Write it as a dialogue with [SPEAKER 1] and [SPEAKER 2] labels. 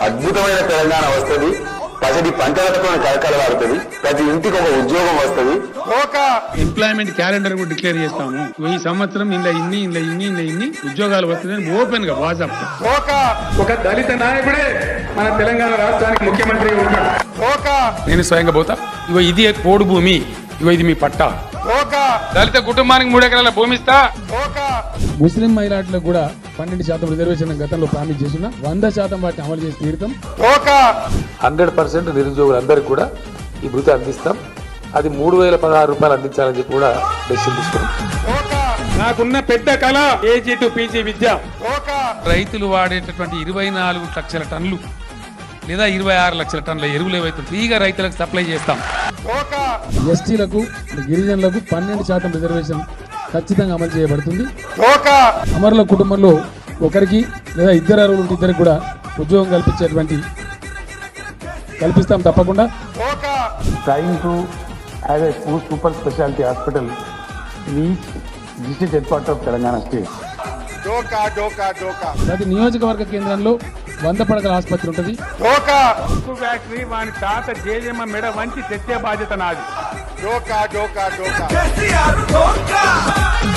[SPEAKER 1] అద్భుతమైన తెలంగాణ వస్తుంది. ప్రతి పంటలతో కలకలలాడుతుంది. ప్రతి ఇంటికి ఒక ఉద్యోగం వస్తుంది.
[SPEAKER 2] ఎంప్లాయ్మెంట్ క్యాలెండర్ కూడా డిక్లేర్ చేస్తాము. ఈ సంవత్సరం ఇన్ని ఉద్యోగాలు వస్తున్నాయని ఓపెన్ గా వాట్సాప్. ఒక దళిత నాయకుడే మన తెలంగాణ రాష్ట్రానికి ముఖ్యమంత్రి ఉంటాడు. నేను స్వయంగా పోతా. ఇగో ఇది పోడు భూమి, ఇగో ఇది మీ పట్టా. దళిత కుటుంబానికి 3 ఎకరాల భూమి ఇస్తా. ముస్లిం మైనార్టీలకు కూడా 12% రిజర్వేషన్ గతంలో ప్రామిస్ చేసిన 100% వాటిని అమలు చేసి తీరుతాం.
[SPEAKER 3] 100% నిరుద్యోగులందరికీ కూడా ఈ భృతి అందిస్తాం. అది 3016 రూపాయలు అందించాలని చెప్పి కూడా డెసిషన్ తీసుకున్నాం.
[SPEAKER 2] నాకున్న పెద్ద కళ ఏజీ టు పీజీ విద్య. రైతులు వాడేటటువంటి 24 లక్షల టన్నులు లేదా 26 లక్షల టన్నుల ఎరువులు ఏవైతే ఫ్రీగా రైతులకు సప్లై చేస్తాం. ఎస్టీలకు గిరిజనులకు 12% రిజర్వేషన్ ఖచ్చితంగా అమలు చేయబడుతుంది. అమరుల కుటుంబంలో ఒకరికి లేదా ఇద్దరు అరువులు ఇద్దరికి కూడా ఉద్యోగం కల్పిస్తాం తప్పకుండా.
[SPEAKER 4] Trying to have a super specialty hospital in each district headquarters of Telangana state.
[SPEAKER 2] ప్రతి నియోజకవర్గ కేంద్రంలో 100 పడకల ఆసుపత్రి ఉంటుంది. ఫ్యాక్టరీ వాని తాత జేజమ్మ మెడ వంచి తెచ్చే బాధ్యత నాది.